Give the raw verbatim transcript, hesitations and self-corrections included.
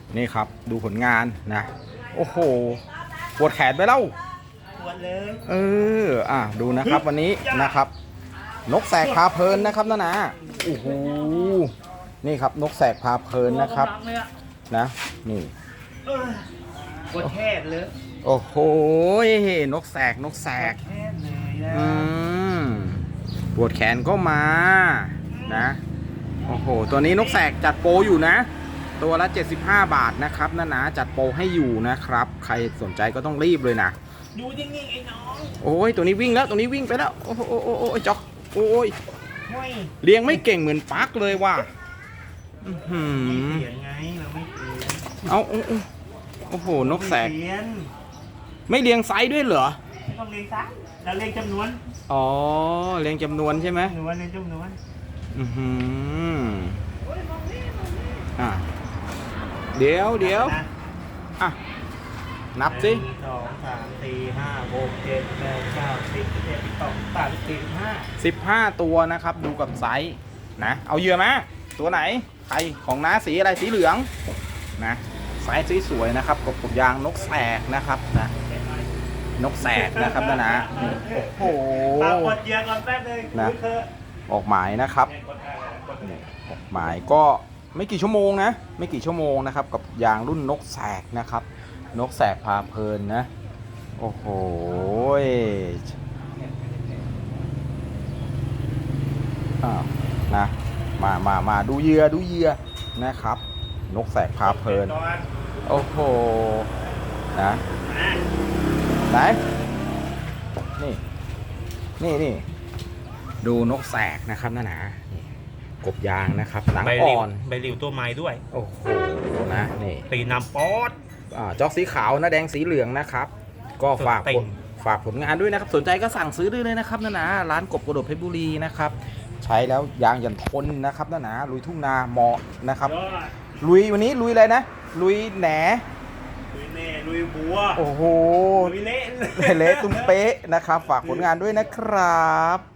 นี่ครับดูผลงานนะโอ้โหปวดแขนไปแล้วปวดเลยเอออ่ะดูนะครับวันนี้นะครับนกแสกพาเพลินนะครับนะนะโอ้โหนี่ครับนกแสกพาเพลินนะครับนะนี่ปวดแขนเลยโอ้โหนกแสกนกแสกอืมปวดแขนก็มานะโอ้โหตัวนี้นกแสกจัดโปรอยู่นะตัวละเจ็ดสิบห้าบาทนะครับนะนะจัดโปรให้อยู่นะครับใครสนใจก็ต้องรีบเลยนะดูนิ่งๆไอ้น้องโอ้ยตัวนี้วิ่งแล้วตัวนี้วิ่งไปแล้วโอ้โหโอ้โหโอ้โหจ๊อกโอ้ยเลี้ยงไม่เก่งเหมือนปักเลยว่ะไม่เปลี่ยนไงเราไม่เปลี่ยนเอาโอ้โหนกแสกไม่เลี้ยงไซส์ด้วยเหรอไม่ต้องเลี้ยงไซส์เราเลี้ยงจำนวนอ๋อเลี้ยงจำนวนใช่ไหมจำนวนเลี้ยงจำนวนอือหืออ่ะเดี๋ยวเดี๋ยวอ่ะนับสิสองสามสี่ห้าหกเจ็ดแปดเก้าสิบสิบเอ็ดสิบสองสิบสามสิบสี่สิบห้าสิบห้าตัวนะครับดูกับไซส์นะเอาเหยื่อมาตัวไหนใครของน้าสีอะไรสีเหลืองนะไซส์สวยๆนะครับกบกบยางนกแสกนะครับนะนกแสกนะครับนะนะโอ้โหกดเหยื่อก่อนแป๊บนึงนะออกหมายนะครับออกหมายก็ไม่กี่ชั่วโมงนะไม่กี่ชั่วโมงนะครับกับยางรุ่นนกแสกนะครับนกแสกพาเพลินนะโอ้โหอ่านะมามามาดูเหยื่อดูเหยื่อนะครับนกแสกพาเพลินโอ้โหนะไหนนี่นี่นี่ดูนกแสกนะครับนะนะนี่กบยางนะครับหนังอ่อนใบริ้วตัวไม้ด้วยโอ้โหนะนี่ตีน้ำป๊อดอ่าจอกสีขาวนะแดงสีเหลืองนะครับก็ฝากฝากผลงานด้วยนะครับสนใจก็สั่งซื้อได้เลยนะครับนะนะร้านกบกระโดดเพชรบุรีนะครับใช้แล้วยางยันทนนะครับนะนะลุยทุ่งนาเหมาะนะครับลุยวันนี้ลุยอะไรนะลุยแหนลุยแหนลุยบัวโอ้โหลุยเละเละตุ้มเป๊ะนะครับฝากผลงานด้วยนะครับ